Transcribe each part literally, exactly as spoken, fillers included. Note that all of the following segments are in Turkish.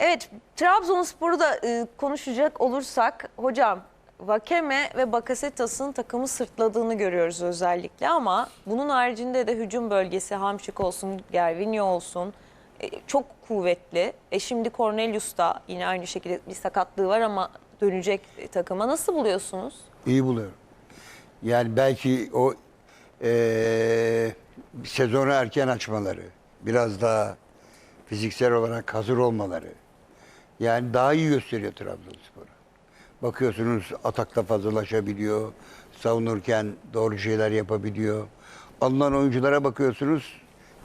Evet, Trabzonspor'u da e, konuşacak olursak hocam, Vakeme ve Bakasetas'ın takımı sırtladığını görüyoruz özellikle, ama bunun haricinde de hücum bölgesi Hamşik olsun, Gervinho olsun e, çok kuvvetli. E şimdi Cornelius da yine aynı şekilde bir sakatlığı var ama dönecek takıma. Nasıl buluyorsunuz? İyi buluyorum. Yani belki o eee sezonu erken açmaları, biraz daha fiziksel olarak hazır olmaları, yani daha iyi gösteriyor Trabzonspor'u. Bakıyorsunuz atakta fazlalaşabiliyor, savunurken doğru şeyler yapabiliyor. Alınan oyunculara bakıyorsunuz,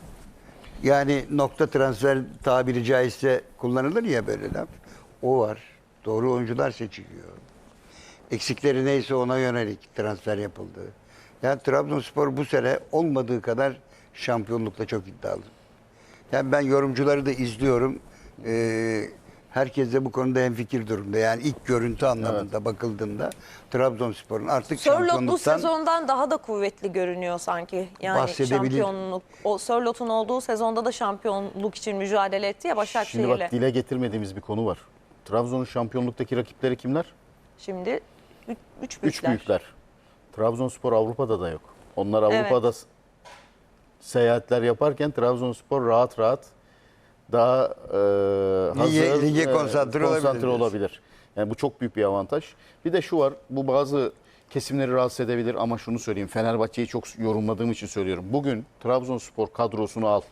yani nokta transfer tabiri caizse kullanılır ya böyle laf. O var. Doğru oyuncular seçiliyor. Eksikleri neyse ona yönelik transfer yapıldı. Yani Trabzonspor bu sene olmadığı kadar şampiyonlukta çok iddialı. Yani ben yorumcuları da izliyorum. Ee, herkes de bu konuda hemfikir durumda. Yani ilk görüntü anlamında evet. bakıldığında Trabzonspor'un artık Sörloth şampiyonluktan... bu sezondan daha da kuvvetli görünüyor sanki. Yani şampiyonluk. O Sörloth'un olduğu sezonda da şampiyonluk için mücadele etti ya Başakşehir'le. Şimdi bak, dile getirmediğimiz bir konu var. Trabzon'un şampiyonluktaki rakipleri kimler? Şimdi üç, üç büyükler. Üç büyükler. Trabzonspor Avrupa'da da yok. Onlar Avrupa'da evet. seyahatler yaparken Trabzonspor rahat rahat daha e, hazır, lige, lige konsantre, e, konsantre olabilir. olabilir. Yani bu çok büyük bir avantaj. Bir de şu var, bu bazı kesimleri rahatsız edebilir ama şunu söyleyeyim. Fenerbahçe'yi çok yorumladığım için söylüyorum. Bugün Trabzonspor kadrosunu al.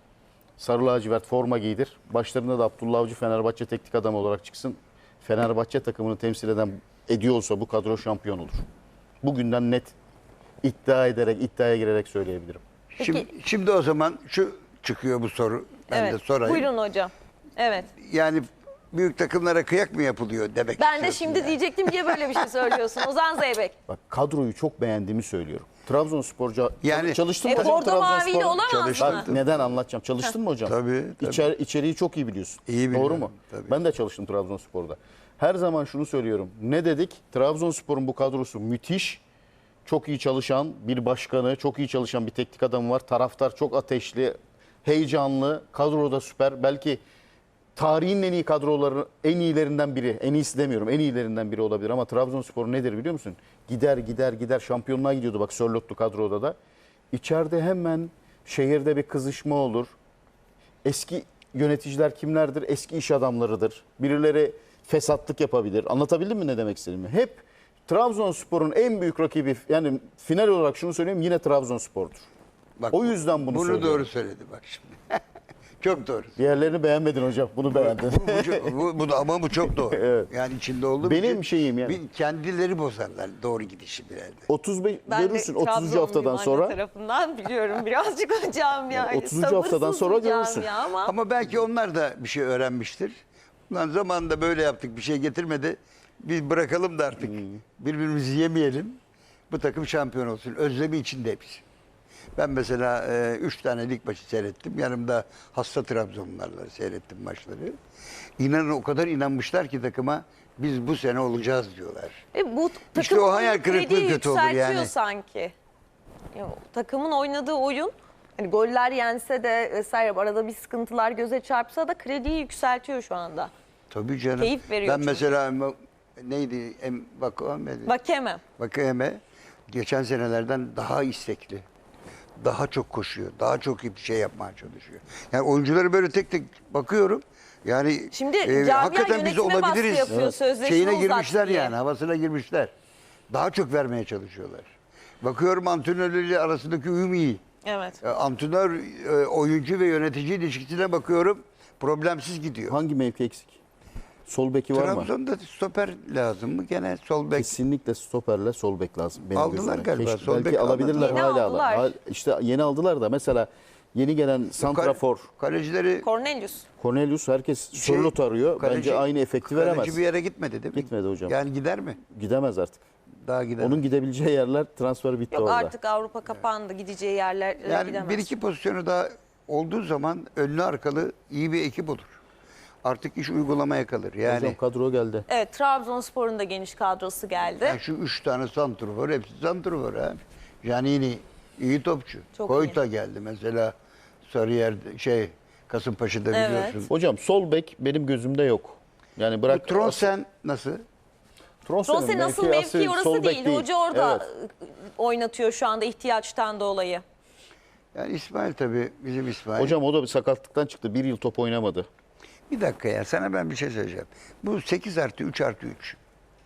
Sarı lacivert forma giydir. Başlarında da Abdullah Avcı Fenerbahçe teknik adamı olarak çıksın. Fenerbahçe takımını temsil eden ediyorsa bu kadro şampiyon olur. Bugünden net iddia ederek, iddiaya girerek söyleyebilirim. Peki. Şimdi, şimdi o zaman şu çıkıyor bu soru. Ben evet. de sorayım. Buyurun hocam. Evet. Yani büyük takımlara kıyak mı yapılıyor demek Ben de şimdi yani. diyecektim, niye böyle bir şey söylüyorsun Ozan Zeybek? Bak, kadroyu çok beğendiğimi söylüyorum. Trabzonsporca yani, çalıştın e, mı hocam? Bordo Mavili olamaz Çalıştım. mı? Bak, neden anlatacağım. Çalıştın mı hocam? Tabii. tabii. İçer, içeriği çok iyi biliyorsun. İyi biliyorum, Doğru mu? tabii. Ben de çalıştım Trabzonspor'da. Her zaman şunu söylüyorum. Ne dedik? Trabzonspor'un bu kadrosu müthiş. Çok iyi çalışan bir başkanı, çok iyi çalışan bir teknik adamı var. Taraftar çok ateşli, heyecanlı. Kadroda süper. Belki tarihin en iyi kadroları, en iyilerinden biri. En iyisi demiyorum, en iyilerinden biri olabilir. Ama Trabzonspor nedir biliyor musun? Gider gider gider şampiyonluğa gidiyordu bak Sörloth'lu kadroda da. İçeride hemen şehirde bir kızışma olur. Eski yöneticiler kimlerdir? Eski iş adamlarıdır. Birileri fesatlık yapabilir. Anlatabildim mi ne demek istediğimi? Hep Trabzonspor'un en büyük rakibi, yani final olarak şunu söyleyeyim, yine Trabzonspor'dur. Bak, o yüzden bunu, bunu söylüyorum. doğru söyledi bak şimdi. Çok doğru. Diğerlerini beğenmedin hocam. Bunu beğendin. bu, bu, bu, ama bu çok doğru. Evet. Yani içinde olduğum Benim için şeyim yani. Bir kendileri bozarlar doğru gidişi bir elde. otuz beş Ben görürsün de otuzuncu haftadan Trabzonluyum sonra. anne tarafından biliyorum birazcık hocam yani. Yani otuzuncu haftadan sonra görürsün. Ya ama. Ama belki onlar da bir şey öğrenmiştir. Ulan zamanında böyle yaptık, bir şey getirmedi. Biz bırakalım da artık. Hmm. Birbirimizi yemeyelim. Bu takım şampiyon olsun. Özlemi içinde hepsi. Ben mesela e, üç tane lig maçı seyrettim. Yanımda hasta Trabzonlularla seyrettim maçları. İnanın o kadar inanmışlar ki takıma, biz bu sene olacağız diyorlar. E, bu İşte o hayal kırıklığı kötü olur yani. Sanki. Ya, takımın oynadığı oyun, hani goller yense de vesaire arada bir sıkıntılar göze çarpsa da krediyi yükseltiyor şu anda. Tabii canım. Keyif veriyor Ben çünkü. mesela neydi? Em, Vakame. Vakeme. Vakame geçen senelerden daha istekli. Daha çok koşuyor. Daha çok iyi bir şey yapmaya çalışıyor. Yani oyuncuları böyle tek tek bakıyorum. Yani Şimdi e, hakikaten biz olabiliriz. Yapıyor, evet. Şeyine girmişler yani, havasına girmişler. Daha çok vermeye çalışıyorlar. Bakıyorum antrenörleriyle arasındaki uyum iyi. Evet. E, antrenör, e, oyuncu ve yönetici ilişkisine bakıyorum. Problemsiz gidiyor. Hangi mevki eksik? Sol beki var mı? Trabzon'da stoper lazım mı? Gene sol bek. Kesinlikle stoperle sol bek lazım. Benim Aldılar gözümde. galiba, Keşke, sol belki bek alabilirler Yeni hala. aldılar. Hala. İşte yeni aldılar da mesela yeni gelen santrafor Kalecileri Cornelius. Cornelius, herkes Şey, Sörloth arıyor. kaleci- Bence aynı efekti veremez. kaleci bir yere gitmedi değil mi? Gitmedi hocam. Yani gider mi? Gidemez artık. Daha gider. Onun gidebileceği yerler, transfer bitti Yok orada. artık Avrupa kapandı. Gideceği yerler yani gidemez. bir iki pozisyonu daha olduğu zaman önlü arkalı iyi bir ekip olur. Artık iş uygulamaya kalır. Yani, Hocam kadro geldi. Evet, Trabzonspor'un da geniş kadrosu geldi. yani şu üç tane santrfor, hepsi santrfor ha. Janini iyi topçu. Çok Koyta geldi mesela Sarıyer şey Kasımpaşa'da Evet. biliyorsun. Hocam sol bek benim gözümde yok. Yani bırak Bu Tronsen nasıl? Tronsen'in Rose nasıl mevki mevki asıl orası sol bek değil. Hoca orada Evet. oynatıyor şu anda ihtiyaçtan dolayı. Yani İsmail tabii bizim İsmail. Hocam o da bir sakatlıktan çıktı. Bir yıl top oynamadı. Bir dakika ya sana ben bir şey söyleyeceğim. Bu sekiz artı üç artı üç.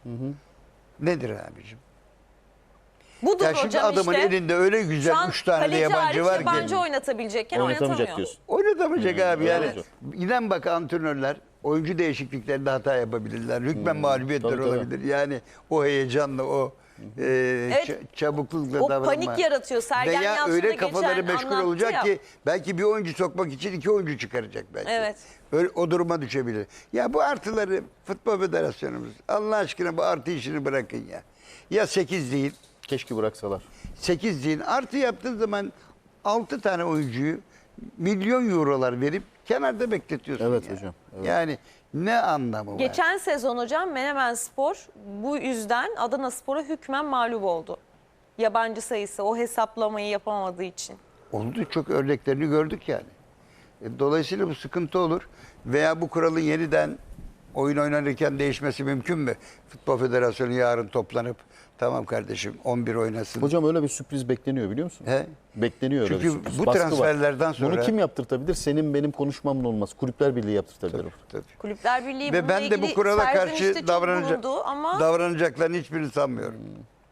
Nedir abicim? Budur Ya şimdi hocam adamın işte. elinde öyle Şu güzel an üç tane de kaleci yabancı hariç var yabancı ki. oynatabilecekken Oynatamayacak oynatamıyor. diyorsun. Oynatamayacak abi yani. evet. İnan bak antrenörler oyuncu değişikliklerinde hata yapabilirler. Hükmen mağlubiyetler tabii, tabii. olabilir. Yani o heyecanla o e, Evet. ça- çabuklukla O davranma. panik yaratıyor. Sergen Veya Yalçın da öyle geçen kafaları meşgul anlattı olacak ya. ki belki bir oyuncu sokmak için iki oyuncu çıkaracak belki. Evet. Öyle, o duruma düşebilir. Ya bu artıları Futbol Federasyonumuz Allah aşkına bu artı işini bırakın ya. Ya sekiz değil, Keşke bıraksalar. sekiz değil. Artı yaptığın zaman altı tane oyuncuyu milyon eurolar verip kenarda bekletiyorsun. Evet ya. hocam, evet. Yani ne anlamı var? Geçen sezon hocam Menemenspor bu yüzden Adanaspor'a hükmen mağlup oldu. Yabancı sayısı o hesaplamayı yapamadığı için. Oldu, çok örneklerini gördük yani. E, Dolayısıyla bu sıkıntı olur. Veya bu kuralın yeniden oyun oynanırken değişmesi mümkün mü? Futbol Federasyonu yarın toplanıp tamam kardeşim on bir oynasın. Hocam öyle bir sürpriz bekleniyor biliyor musun? He? Bekleniyor öyle Çünkü bir sürpriz. bu Baskı var. transferlerden sonra- Bunu kim yaptırtabilir? Senin benim konuşmamla olmaz. Kulüpler Birliği yaptırtabilir. Tabii. Kulüpler Birliği Ve bununla ben de bu ilgili kurala serzenişte karşı çok davranacak, bulundu ama davranacaklarını hiçbirini sanmıyorum.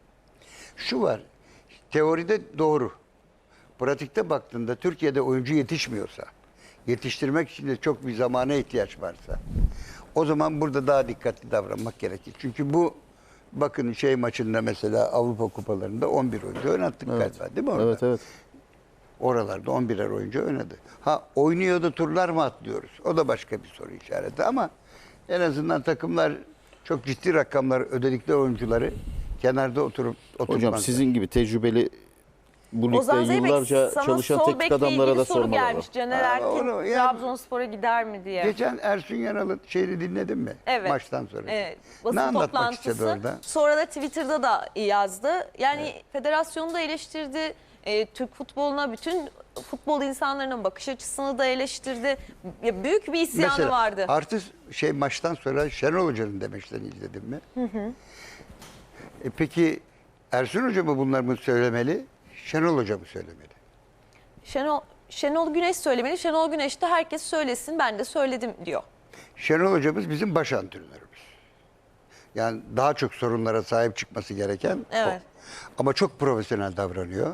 Şu var, teoride doğru. Pratikte baktığında Türkiye'de oyuncu yetişmiyorsa, yetiştirmek için de çok bir zamana ihtiyaç varsa, o zaman burada daha dikkatli davranmak gerekir. Çünkü bu, bakın şey maçında mesela Avrupa Kupalarında on bir oyuncu oynattık galiba değil mi orada? Evet evet. Oralarda on birer oyuncu oynadı. Ha oynuyordu turlar mı atlıyoruz? O da başka bir soru işareti ama en azından takımlar çok ciddi rakamlar ödedikleri oyuncuları kenarda oturup Hocam oturmazlar. sizin gibi tecrübeli bu ligde Ozan Zeybek yıllarca sana çalışan sol teknik bekle adamlara ilgili da soru sormalar gelmiş. var. Caner Aa, Erkin onu yani- Trabzonspor'a gider mi diye. Geçen Ersun Yanal'ın şeyini dinledin mi? Evet. Maçtan sonra. Evet. Ne Basın anlatmak istedi toplantısı. orada? Sonra da Twitter'da da yazdı. Yani federasyonu da eleştirdi. E, Türk futboluna, bütün futbol insanlarının bakış açısını da eleştirdi. Ya, büyük bir isyanı Mesela vardı. artı şey maçtan sonra Şenol Hoca'nın demeçlerini izledin mi? Hı hı. E peki Ersun Hoca mı bunları mı söylemeli? Şenol Hoca mı söylemeli? Şenol, Şenol Güneş söylemeli. Şenol Güneş de herkes söylesin ben de söyledim diyor. Şenol Hocamız bizim baş antrenörümüz. Yani daha çok sorunlara sahip çıkması gereken Evet. o. Ama çok profesyonel davranıyor.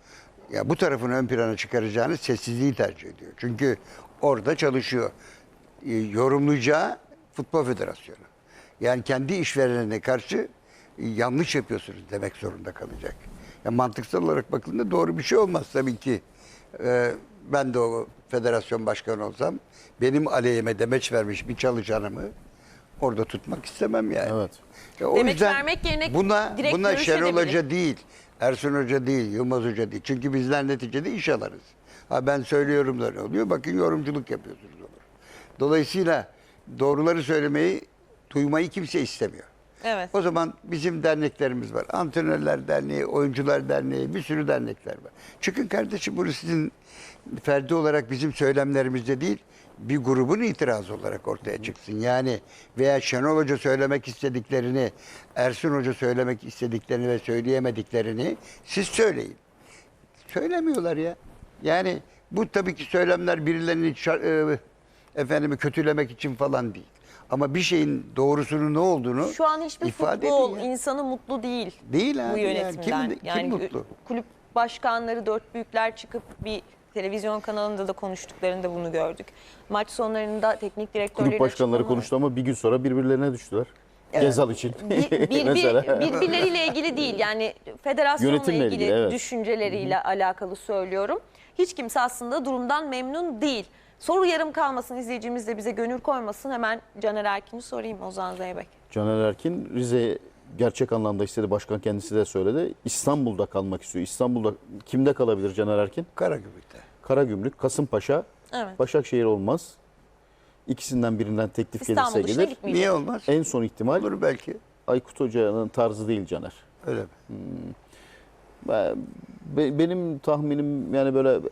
Ya bu tarafını ön plana çıkaracağını sessizliği tercih ediyor. Çünkü orada çalışıyor. E, yorumlayacağı Futbol Federasyonu. Yani kendi işverenine karşı e, yanlış yapıyorsunuz demek zorunda kalacak. Ya mantıksal olarak bakıldığında doğru bir şey olmaz tabii ki. E, ben de o federasyon başkanı olsam benim aleyhime demeç vermiş bir çalışanımı orada tutmak istemem yani. Evet. Ya o Demeç yüzden vermek yerine buna, direkt buna Şenol görüşebilir. Hoca değil, Ersun Hoca değil, Yılmaz Hoca değil. Çünkü bizler neticede iş alırız. Ha ben söylüyorum da ne oluyor? Bakın yorumculuk yapıyorsunuz olur. Dolayısıyla doğruları söylemeyi, duymayı kimse istemiyor. Evet. O zaman bizim derneklerimiz var. Antrenörler Derneği, Oyuncular Derneği, bir sürü dernekler var. Çıkın kardeşim bunu sizin ferdi olarak bizim söylemlerimizde değil, bir grubun itirazı olarak ortaya çıksın. Yani veya Şenol Hoca söylemek istediklerini, Ersun Hoca söylemek istediklerini ve söyleyemediklerini siz söyleyin. Söylemiyorlar ya. Yani bu tabii ki söylemler birilerini şar- e, efendimi kötülemek için falan değil. Ama bir şeyin doğrusunun ne olduğunu Şu an hiçbir ifade futbol edin ya. insanı mutlu değil. Değil Bu abi yani. yönetimden. Kim- kim yani mutlu? kulüp başkanları, dört büyükler çıkıp bir televizyon kanalında da konuştuklarında bunu gördük. Maç sonlarında teknik direktörlerin Kulüp başkanları açıklamaları- konuştu ama bir gün sonra birbirlerine düştüler. Gezal için. Bir, bir, bir, Mesela. birbirleriyle ilgili değil yani federasyonla Yönetimle ilgili, ilgili, evet. düşünceleriyle alakalı söylüyorum. Hiç kimse aslında durumdan memnun değil. Soru yarım kalmasın, izleyicimiz de bize gönül koymasın. Hemen Caner Erkin'i sorayım Ozan Zeybek. Caner Erkin Rize'ye gerçek anlamda istedi. Başkan kendisi de söyledi. İstanbul'da kalmak istiyor. İstanbul'da kimde kalabilir Caner Erkin? Karagümrük'te. Karagümrük, Kasımpaşa, Evet. Başakşehir olmaz. İkisinden birinden teklif İstanbul gelirse dışına gelir. gitmeyecek. Niye olmaz? En son ihtimal Olur belki. Aykut Hoca'nın tarzı değil Caner. Öyle mi? Ben- be- Benim tahminim yani böyle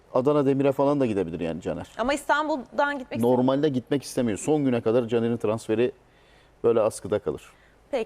Adana Demir'e falan da gidebilir yani Caner. Ama İstanbul'dan gitmek Normalde gitmek istemiyor. Son güne kadar Caner'in transferi böyle askıda kalır.